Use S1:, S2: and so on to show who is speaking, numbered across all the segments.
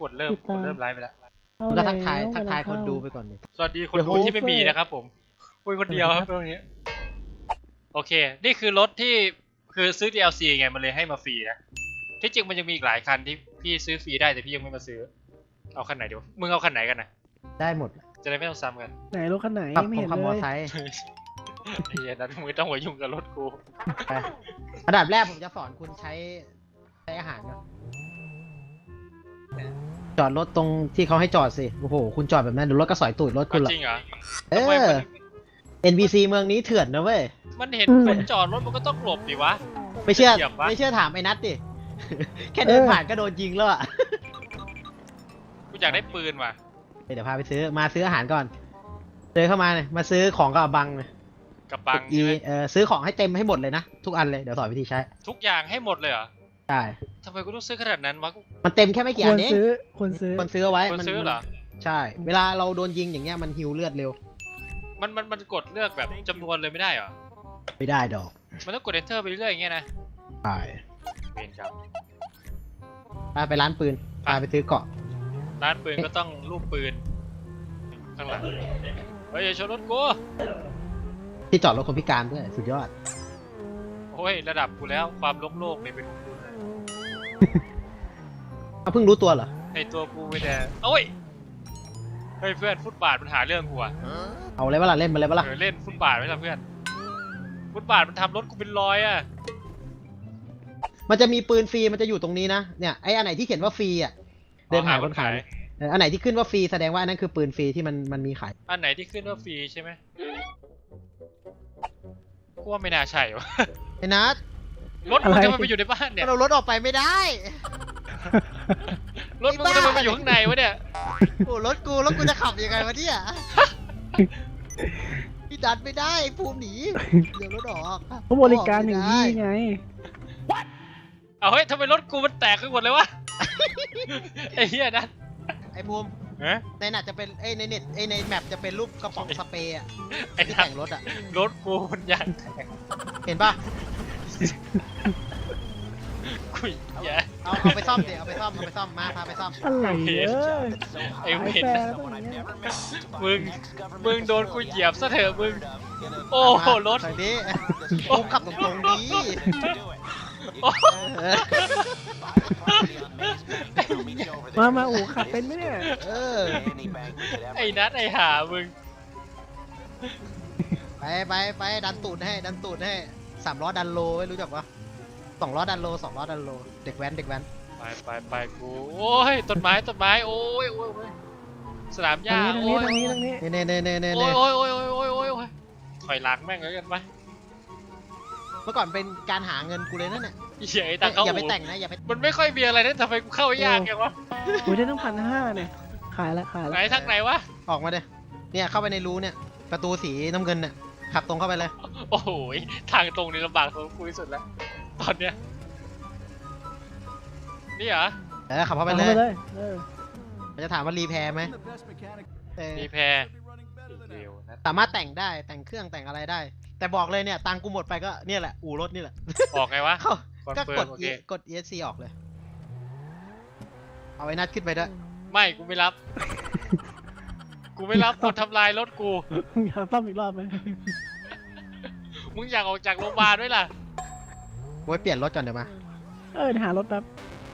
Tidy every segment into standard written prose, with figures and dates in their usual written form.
S1: กดเริ่มไลฟ์ไปแล้ว
S2: ก็ทักทายคนดูไปก่อนดิ
S1: สวัสดีคนดูที่ไม่มีนะครับผมคุยคนเดียวครับตรงนี้โอเคนี่คือรถที่คือซื้อ DLC ไงมันเลยให้มาฟรีนะที่จริงมันยังมีอีกหลายคันที่พี่ซื้อฟรีได้แต่พี่ยังไม่มาซื้อเอาคันไหนดีวะมึงเอาคันไหนกันนะ
S2: ได้หมด
S1: จะได้ไม่ต้องซ้ำกัน
S3: ไหนรถคันไหนไม่เห็นเลย
S2: มอไซค์
S1: ไอ้เหี้ยนั้นมึงต้องหัวยุ่งกับรถกู
S2: อันดับแรกผมจะสอนคุณใช้อาหารก่อนจอดรถตรงที่เขาให้จอดสิโอ้โหคุณจอดแบบนั้นเดี๋ยวรถก็สอยตูดรถคุณหรอ
S1: จริงเหรอ
S2: NPC เมืองนี้เถื่อนนะเว้ย
S1: มันเห็นคนจอดรถมันก็ต้องหลบดิวะ
S2: ไม่เชื่อถามไอ้นัทดิแค่เดินผ่านก็โดนยิงแล้วอ่ะ
S1: กูอยากได้ปืนว่ะ
S2: เดี๋ยวพาไปซื้ออาหารก่อนเดินเข้ามาเนี่ยมาซื้อของกับบังเลย
S1: กับบังใช่ไหม
S2: ซื้อของให้เต็มให้หมดเลยนะทุกอันเลยเดี๋ยวสอนวิธีใช้
S1: ทุกอย่างให้หมดเลยเหรอ
S2: ใช่
S1: ทำไมกูต้องซื้อขนาดนั้นวะ
S2: มันเต็มแค่ไม่กี่อันเอง
S3: คน
S2: ซื้อเอาไว้
S1: คนซื้อเหรอ
S2: ใช่เวลาเราโดนยิงอย่างเงี้ยมันฮิวเลือดเร็ว
S1: มันกดเลือกแบบจำนวนเลยไม่ได้เหรอ
S2: ไม่ได้ดอก
S1: มันต้องกด enter ไปเรื่อยอย่างเงี้ยนะ
S2: ใช่
S1: เวนครับ
S2: ไปร้านปืนไปซื้อเกาะ
S1: ร้านปืนก็ต้องรูปปืนข้างหลังเฮ้ยอย่าชนรถกู
S2: ที่จอดรถคนพิการด้วยสุดยอด
S1: โอ้ยระดับกูแล้วความโลกเนี่ยเป็นของกู
S2: เพิ่งรู้ตัวเหรอ
S1: ในตัวกูไม่ได้โอ้ยเฮ้ยเพื่อนฟุตบาทมันหาเรื่องกูอะ
S2: เอาเลยว่าล่ะเล่นมาเลยว่าล่ะ
S1: เล่นฟุตบาทไหมล่ะเพื่อนฟุตบาทมันทำรถกูเป็นรอยอะ
S2: มันจะมีปืนฟรีมันจะอยู่ตรงนี้นะเนี่ยไอ้อันไหนที่เขียนว่าฟรีอ่ะเดินหาคนขายอันไหนที่ขึ้นว่าฟรีแสดงว่าอันนั้นคือปืนฟรีที่มันมีขาย
S1: อันไหนที่ขึ้นว่าฟรีใช่ไหมกูว่าไม่น่าใช่วะ
S2: ไอ้นัท
S1: รถมึงทำไมไปอยู่ในบ้านเนี่ย
S2: เรารถออกไปไม่ได้
S1: รถมึงทำไมไปอยู่ข้างในวะเนี่ย
S2: โอ้รถกูจะขับยังไงวะเนี่ยพี่ดันไม่ได้ภูมิหนีเดี๋ยวรถออก
S3: เขาบริการอย่างนี้ไง
S1: เอาเฮ้ยทำไมรถกูมันแตกไปหมดเลยวะไอ้เหี้ยนั่น
S2: ไอ้ภูมิในหนัดจะเป็นในเน็ตในแมปจะเป็นรูปกระป๋องสเปรย์อะที่แต่งรถอะ
S1: รถกูมันยางแตก
S2: เห็นปะ
S1: คุยแย่
S2: เอาไปซ่อมเดี๋ยวเอาไปซ่อมมาพาไปซ่อม
S3: อะไร
S1: ไอ้เวนมึงโดนกูเหยียบซะเถอะมึงโอ้โหรถ
S2: นี้ภูมิขับตรงๆนี้
S3: มาอู๋ขับเป็นไหมเนี่ย
S1: ไอ้นัทไอ้หามึง
S2: ไปดันตูดให้3 ล้อดันโลไม่รู้จักปะ2 ล้อดันโลเด็กแว้น
S1: ไปกูโอ้ยต้นไม้โอ้ยสนามหญ้าโอ้ย
S3: ตรงนี้
S1: โอ้ยถอยหลังแม่งเลยกันไป
S2: เมื่อก่อนเป็นการหาเงินกูเลยนั่นเนี่ย
S1: อย่า
S2: ไปแต่งนะ
S1: มันไม่ค่อยมีอะไรนั่นทำไมกูเข้ายากอย่างวะ
S3: กูได้ต้อง1,500เนี่ยขายแล้ว
S1: ไหนทางไหนวะ
S2: ออกมาเด้เนี่ยเข้าไปในรูเนี่ยประตูสีน้ำเงินเนี่ยขับตรงเข้าไปเลย
S1: โอ้โหทางตรงนี้ลำบากของกูที่สุดแล้วตอนเนี้ยนี่เหรอ
S2: ขับเข้าไปเลยมันจะถามว่ารีแพร์ไหม
S1: รีแพร์
S2: สามารถแต่งได้แต่งเครื่องแต่งอะไรได้แต่บอกเลยเนี่ยตังกูหมดไปก็เนี่ยแหละอู่รถนี่แหละ
S1: ออกไงวะ
S2: ก็กด ESC ออกเลยเอาไอ้นัดขึ้นไปด้วย
S1: ไม่กูไม่รับกดทำลายรถกู
S3: อยากซ่อมอีกรอบไหม
S1: มึงอยากออกจากโรงพยาบาลด้วยล่ะ
S2: ไว้เปลี่ยนรถก่อนเดี๋ยวมา
S3: หารถแป๊บ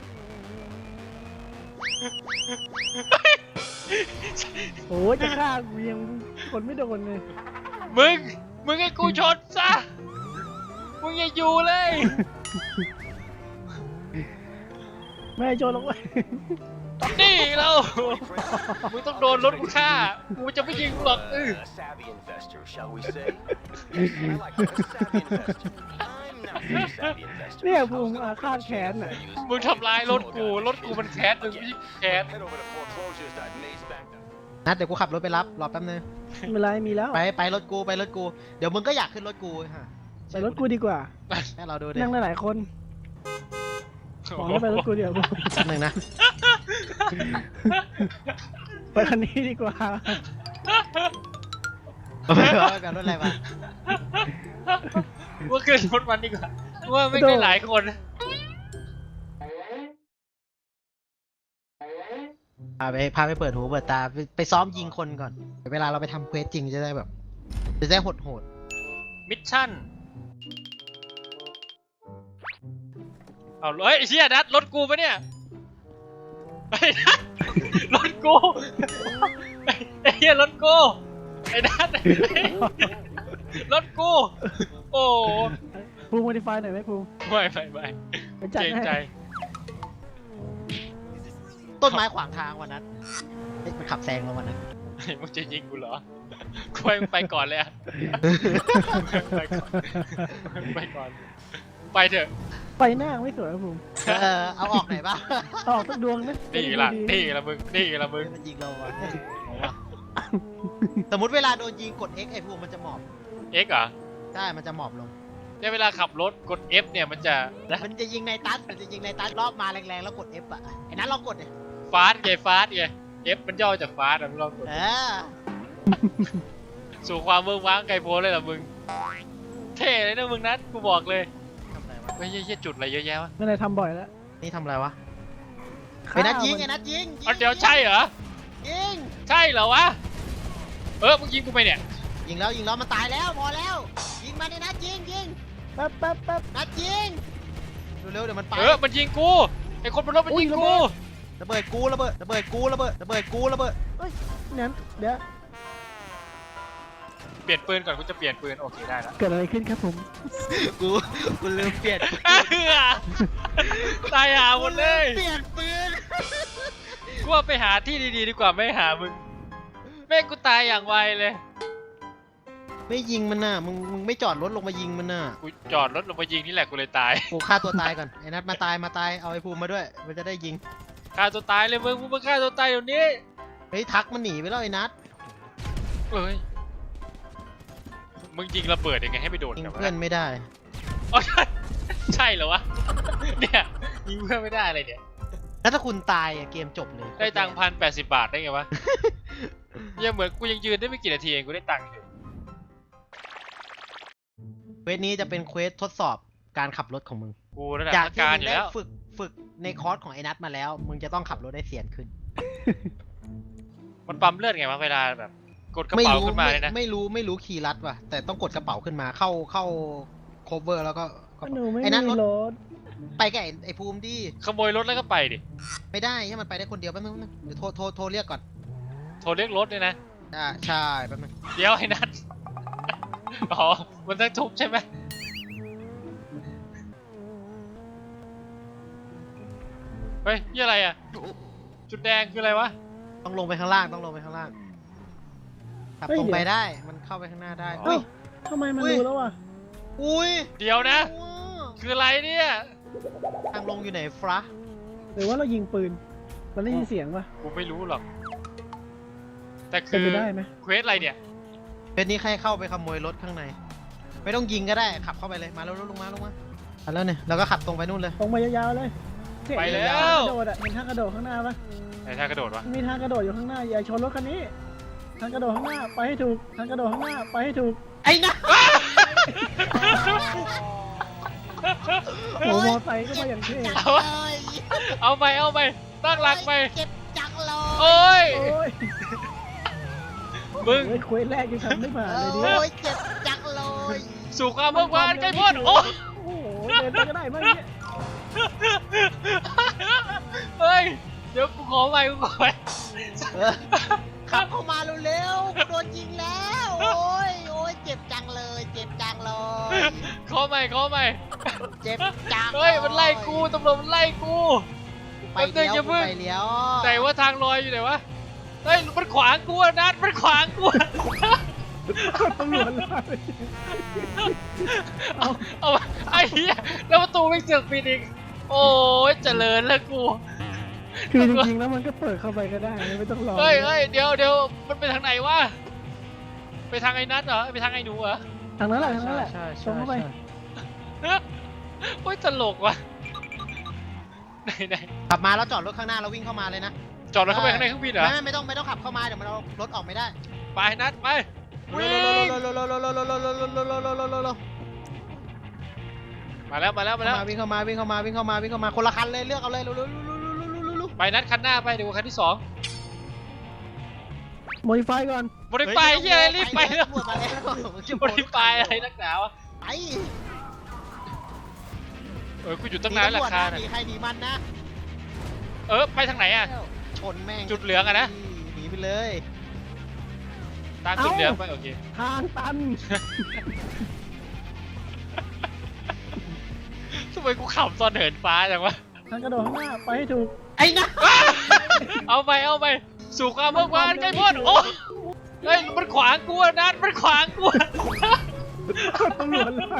S3: โอ้ยจะฆ่ากูยังคนไม่โดนเลย
S1: มึงให้กูชนซะมึงอย่าอยู่เลย
S3: ไม่ชนหรอกเว้ย
S1: นี่เรามึงต้องโดนรถกูฆ่ากูจะไม่ยิงหรอก
S3: เนี่ยภูมิอาฆาตแค้นอ่ะ
S1: มึงทำลายรถกูมันแค้นมึงไม่แค้น
S2: นัดเดี๋ยวกูขับรถไปรับรอแป๊บนึง
S3: ไม่เป็นไรมีแล้ว
S2: ไปรถกูเดี๋ยวมึงก็อยากขึ้นรถกูฮะ
S3: ไปรถกูดีกว่า
S2: แม่เราดูดิ
S3: นั่งได้หลายคนขอให้ไปรถกูเดี๋ยว
S2: หนึ่งนะ
S3: ไปคันนี้ดีกว่า
S2: ไปกันรถอะไรมา
S1: ว่าขึ้นรถมันดีกว่าว่าไม่ได้หลายคน
S2: พาไปเปิดหูเปิดตาไปซ้อมยิงคนก่อนเวลาเราไปทำเควสจริงจะได้แบบจะได้โหด
S1: มิชชั่นเอาเฮ้ยไอ้เชี่ยนัดรถกูปะเนี่ยไอ้นัดรถกูไอ้เหี้ยรถกูไอ้นัดรถกูโอ้
S3: ภูมิโมดิฟายหน่อยไหมภูมิ
S1: ไม่
S3: ไปจัด
S1: เกรง
S3: ให้
S1: ใจ
S2: ๆต้นไม้ขวางทางวันนั้นเฮ้ยมันขับแซงเราวันนั้น
S1: มึงจะยิงกูเหรอกูให้มึงไปก่อนเลยอะไปก่อนไปก่อนไปเถอะ
S3: ไปหน้าไม่สวยนะภูมิ
S2: เอาออกไหนบ้าง
S3: ออกสักดวงนะ
S1: นี่ละ
S3: ดี
S1: นี่ละมึงนี่ละมึง
S2: มันยิงเราอะสมมติเวลาโดนยิงกด X ไอ้พวกมันจะหมอบ
S1: X เหรอ
S2: ใช่มันจะหมอบลง
S1: เนี่ยเวลาขับรถกด F เนี่ยมันจะ
S2: มันจะยิงในตัสมันจะยิงในตัสรอบมาแรงๆแล้วกด F อ่ะไอ้นั้นลองกดเนี่ย
S1: ฟาสไงฟาสไง F มันย่อจากฟาสอะมึงลองกด สู่ความเมืองว้างไกลโพ้นเลยเหรอมึงเท่เลยนะมึงนัดกูบอกเลย
S2: ทำอะไรวะ
S1: ไม่ใช่จุดอะไรเยอะแยะวะ
S3: นั่นเลยทำบ่อยแล้ว
S2: นี่ทำอะไรวะไอ้นัดยิงไอ้นัดยิง
S1: อ๋อเดี๋ยวใช่เหรอ
S2: ยิง
S1: ใช่เหรอวะมึงยิงกูไปเนี่ย
S2: ยิงแล้วมันตายแล้วพอแล้วยิงมันไอ้นัดยิง
S3: แป๊บ
S2: นัดยิงเร็วๆเดี๋ยวมันไป
S1: มันยิงกูไอ้คนบนรถมันยิงกู
S2: ระเบิดกูระเบิด
S3: นั้นเดี๋ยว
S1: เปลี่ยนปืนก่อนกูจะเปลี่ยนปืนโอเคได้แล้ว
S3: เกิดอะไรขึ้นครับผม
S2: กูลืมเปลี่ยน
S1: ตายหาหมดเลย
S2: เปลี่ยนปืน
S1: กูว่าไปหาที่ดีๆดีกว่าไม่หามึงแม่งกูตายอย่างไวเลย
S2: ไม่ยิงมันน่ะมึงไม่จอดรถลงมายิงมันน่ะ
S1: กูจอดรถลงมายิงนี่แหละกูเลยตาย
S2: กูฆ่าตัวตายก่อนไอ้นัดมาตายเอาไอ้ภูมิมาด้วยมันจะได้ยิง
S1: ฆ่าตัวตายเลยมึงมาฆ่าตัวตายเดี๋ยวนี้
S2: เฮ้ยทักมันหนีไปแล้วไอ้นัด
S1: เอ้ยมึงยิงระเบิดยังไงให้ไปโดน
S2: ยิง
S1: กันวะ
S2: เพื่อนไม่ได้
S1: อ๋อใช่เหรอวะเนี่ยยิงเพื่อนไม่ได้อะไรเนี่ย
S2: แล้วถ้าคุณตายอะเกมจบเลย
S1: ได้ตังค์1,080 บาทได้ไงวะ ยังเหมือนกูยังยืนได้ไม่กี่นาทีเองกูได้ตังค์อยู่
S2: เควสนี้จะเป็นเควสทดสอบการขับรถของมึง
S1: กูระดับ
S2: จาก
S1: นัก
S2: ที่
S1: การ
S2: มึ
S1: อง ยู่
S2: ได้
S1: แล้ว
S2: ฝึกในคอร์สของไอ้นัทมาแล้ว มึงจะต้องขับรถได้เสียนขึ้น
S1: มันปั๊มเลือดไงวะเวลาแบบ กดกระเป๋าขึ้นมาเลยนะ
S2: ไม่รู้คีย์ลัดว่ะแต่ต้องกดกระเป๋าขึ้นมาเข้า cover แล้วก็กระ
S3: หนู
S2: เป๋า
S3: ไม่
S2: ไอ้นัท
S3: มี
S2: รถ
S3: รถ
S2: ไปกับไอ้ภูมิดิ
S1: ขโมยรถแล้วก็ไปดิ
S2: ไม่ได้ให้มันไปได้คนเดียวแป๊บนึงเดี๋ยวโทรเรียกก่อน
S1: โทรเรียกรถเลยนะ
S2: ใช่แป๊บนึง
S1: เดี๋ยวไอ้นัท อ๋อ มันต้องทุบใช่ไหมเฮ้ยนี่อะไรอ่ะ จุดแดงคืออะไรวะ
S2: ต้องลงไปข้างล่างขับตรงไปได้มันเข้าไปข้างหน้าได้
S3: เอ้าทำไมมันรู้แล้วอ่ะ
S2: อุ้ย
S1: เดี๋ยวนะ คืออะไรเนี่ย
S2: ทางลงอยู่ไหนฟระ
S3: หรือว่าเรายิงปืนมันได้ยินเสียงปะ
S1: กูไม่รู้หรอก แต่
S3: เป็
S1: คื
S3: น
S1: อ
S3: ไปได้ไหม
S1: เควสอะไรเนี่ย
S2: เป็นนี้ใครเข้าไปขโมยรถข้างใน ไม่ต้องยิงก็ได้ขับเข้าไปเลยมาแล้วลงมาแล้วเนี่ยเราก็ขับตรงไปนู่นเลย
S3: ตรงไปยาวๆเลยเนี่ย
S1: ไปแล้ว
S3: ทางกระโดดอ่ะเห็นทางกระโดดข้างหน้าปะ
S1: ไหนท่ากระโดดวะ
S3: มีทางกระโดดอยู่ข้างหน้าอย่าชนรถคันนี้ทางกระโดดข้างหน้าไปให้ถูกทางกระโดดข้างหน้าไปให้ถูก
S2: ไอ้นะ
S3: โอ้โหมอไซค์ก็มาอย่างเท่
S1: เอาไปตั้งหลักไป
S2: เจ็บจังเลย
S1: โอ้ย
S3: โอ้ย
S1: มึง
S3: เฮ้ยเควสแรกยังทำไม่ผ่านเลยดิ
S2: โอ้ยเจ็บจังเลย
S1: สู่ความเมื่อวานใกล้พ้นโอ้ย
S3: โอ้โหเดินไปก็ได้มั้งเนี่ย
S1: เฮ้ย เดี๋ยวกูขอไป
S2: ขับเข้ามาเร็วๆโดนยิงแล้ว โอ้ยเจ็บจังเลย
S1: ขอใหม่
S2: เจ็บจัง
S1: เฮ้ย มันไล่กูตำรวจมันไล่กู
S2: ไปเลี้ยว
S1: แป๊บนึงอย่าเพิ่ง
S2: ไปเลี้ยว
S1: ไหนว่าทางลอยอยู่ไหนวะ เฮ้ย มันขวางกูอะนัดมันขวางกูอะ
S3: ตำรวจไล่
S1: เอาไอ้เหี้ยแล้วประตูไม่เสือกปิดอีก โอ้ยเจริญแล้วกู
S3: คือจริงๆแล้วมันก็เปิดเข้าไปก็ได้ไม่ต้องรอ
S1: เฮ้ย เดี๋ยวมันไปทางไหนวะ ไปทางไอ้นัทเหรอ ไปทางไอ้หนูเหรอ
S3: ทางนั้นแหละตรงเข้าไป
S1: โอ้ยตลกว่ะ ไหน
S2: ขับมาแล้วจอดรถข้างหน้าแล้ววิ่งเข้ามาเลยนะ
S1: จอดรถเข้าไปข้างในเครื่องบินเหรอ
S2: ไม่ต้องขับเข้ามาเดี๋ยวมันเอารถออกไม่ได้
S1: ไปนัดไปวิ่งมาแล้ว
S2: วิ่งเข้ามาคนละคันเลยเลือกเอาเลย
S1: ไปนัดคันหน้าไปเดี๋ยวคันที่สอง
S3: โมดิฟายก่อน
S1: โมดิฟายเฮียอะไรรีบไปแล้ว
S2: ตำรวจมาแล้ว
S1: โมดิฟายอะไรนักหนาวะ
S2: ไป
S1: กูอยู่ตั้งนานราคา
S2: หนีใครหนีมันนะ
S1: ไปทางไหนอ่ะ
S2: ชนแม่ง
S1: จุดเหลืองอะนะ
S2: หนีไปเลย
S1: ตามจุดเหลืองไปโอเค
S3: ทางตัน
S1: ทำไมกูขำตอนเหินฟ้าจังวะ
S3: ทางกระโดดข้างหน้าไปให้ถูก
S2: ไอ้นะ
S1: เอาไปสู่ความเมื่อวานใกล้พ้นโอ้เฮ้ยมันขวางกูอะนัดมันขวางกูอะ
S3: ตำรวจไล่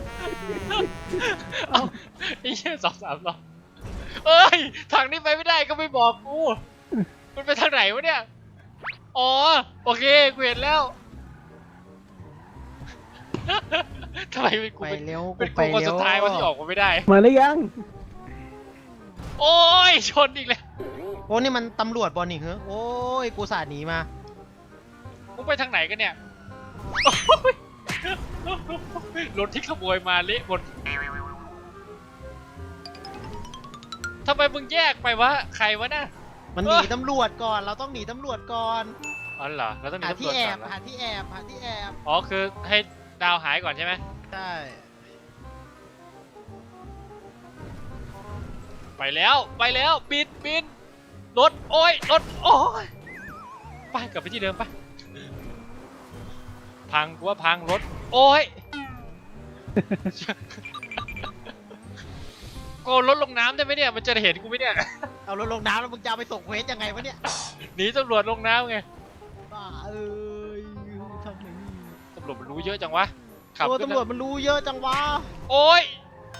S1: เอาไอ้เหี้ย2-3 รอบเอ้ยทางนี้ไปไม่ได้ก็ไม่บอกกูมันไปทางไหนวะเนี่ยอ๋อโอเคกูเห็นแล้วทำไมเป็นกู
S2: ไป
S1: เป็น
S2: เร็ว
S1: เป็น
S2: ไป
S1: กูคน
S2: เร็ว
S1: สุดท้ายวะที่ออกมาไม่ได้
S3: มาหรือยัง
S1: โอ้ยชนอีกแล้ว
S2: โอ้นี่มันตำรวจบอลนี่เหรอโอ้ยกูสาดหนีมา
S1: มึงไปทางไหนกันเนี่ยรถที่ขโมยมาเละหมดทำไมมึงแยกไปวะใครวะน่ะ
S2: มันหนีตำรวจก่อน เราต้องหนีตำรวจก่อน
S1: อ๋อเหรอเราต้องหนี
S2: หา
S1: ตำร
S2: ที่
S1: วจ
S2: แอ
S1: ก่อบ นเหรอ
S2: หาที่แอบหาที่แอบ
S1: อ๋อคือให้ดาวหายก่อนใช่ไหม
S2: ใช่
S1: ไปแล้วบินรถโอ้ยไปกลับไปที่เดิมไปพังกูว่าพังรถโอ้ยโกนรถลงน้ำได้ไหมเนี่ยมันจะเห็นกูไหมเนี่ย
S2: เอารถลงน้ำแล้วมึงจะเอาไปส่งเควสยังไงวะเนี่ย
S1: หนีตำรวจลงน้ำไง
S2: บ้าเอ้ยทำไมนี่
S1: ตำรวจมันรู้เยอะจังวะขับ
S2: ตัว
S1: ขึ้น
S2: ตำรวจมันรู้เยอะจังวะ
S1: โอ้ย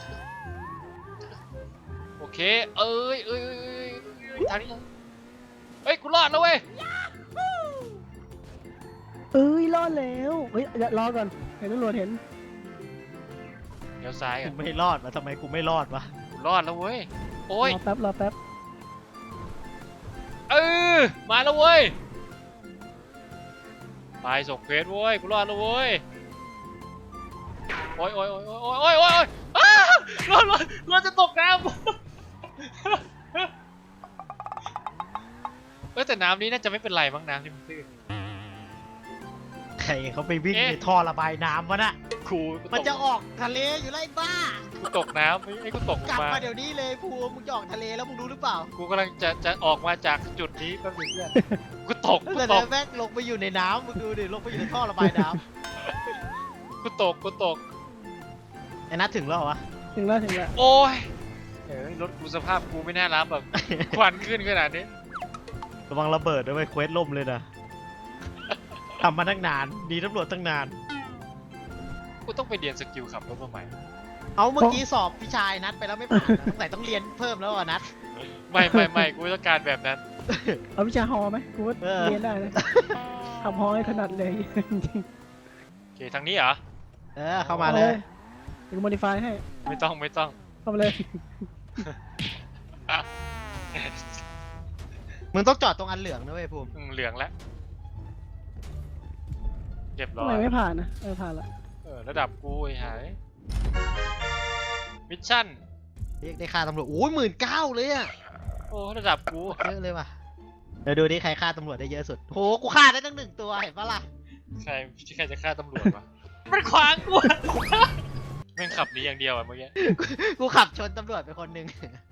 S1: โอเคเอ้ยทางนี้เฮ้ยกูรอดแล้วเว้ย
S3: เอ้ยรอดแล้วเฮ้ยอย่ารอก่อนเห็นตำรวจเห็น
S1: เดี๋ยวซ้าย
S2: กู
S1: อ่ะ
S2: ไม่รอดวะทำไมกูไม่รอดวะ
S1: กูรอดแล้วเว้ยโอ้ย
S3: รอแป๊บ
S1: มาแล้วเว้ยไปส่งเควสเว้ยกูรอดแล้วเว้ยโอ้ยอ้ารถจะตกน้ำ แต่น้ำนี้น่าจะไม่เป็นไรมั้งน้ำที่มันตื้น
S2: ใครเขาไปวิ่ง
S1: เอ๊ะ
S2: ในท่อระบายน้ำวะน่ะ
S1: ครู
S2: มันจะออกทะเลอยู่แล้วไอ้บ้า
S1: กูตกน้ำไอ้กูตก
S2: กลับ
S1: มา
S2: มาเดี๋ยวนี้เลยภูมิมึงจะออกทะเลแล้วมึงรู้หรือเปล่า
S1: กูกำลังจะออกมาจากจุดนี้แป๊บนึงเพื่อนกูตก
S2: แต่แม่งลงไปอยู่ในน้ำมึงดูดิลงไปอยู่ในท่อระบายน้
S1: กูตก
S2: ำไอ้นัทถึงแล้วเหรอวะ
S3: ถึงแล้ว
S1: โอ้ยรถกูสภาพกูไม่น่ารับแบบ ควันขึ้นขนาดนี้
S2: ระวังระเบิดด้วยไปเควสล่มเลยนะทำมาตั้งนานดีตำรวจตั้งนาน
S1: กูต้องไปเรียนสกิลขับรถมาใหม่
S2: เอาเมื่อกี้สอบพี่ชายนัดไปแล้วไม่ผ่านนะสงสัยต้องเรียนเพิ่มแล้วอ่ะนัด
S1: ไม่กูต้องการแบบนั้น
S3: เอาวิชาฮอไหมกูว่า
S2: เออ
S3: เรียนได้นะทำฮอให้ถนัดเลยจริง
S1: โอเคทางนี้เหรอ
S3: ๆ
S2: เข้ามาเลย
S3: กูโมดิฟายให้
S1: ไม่ต้อง
S3: เข้ามาเลย
S2: มึงต้องจอดตรงอันเหลืองนะเว้ยภูมิ
S1: เหลืองแล้วเรียบร้
S3: ทำ
S1: อ
S3: ไม
S1: ย
S3: ไม่ผ่านนะผ่านละ
S1: ระดับกูไอ้หายมิชชั่น
S2: เรียกได้ค่าตำรวจโอ้ย19,000เลยอ่ะ
S1: โอ้ระดับกู
S2: เยอะเลยว่ะเดี๋ยวดูดิใครฆ่าตำรวจได้เยอะสุดโหกูฆ่าได้ตั้ง1 ตัวเห็นปะล่ะ
S1: ใครจะฆ่าตำรวจวะมันขวางกูแม่งขับหนีอย่างเดียวอ่ะเมื่อกี้
S2: กูขับชนตำรวจไปคนหนึ่ง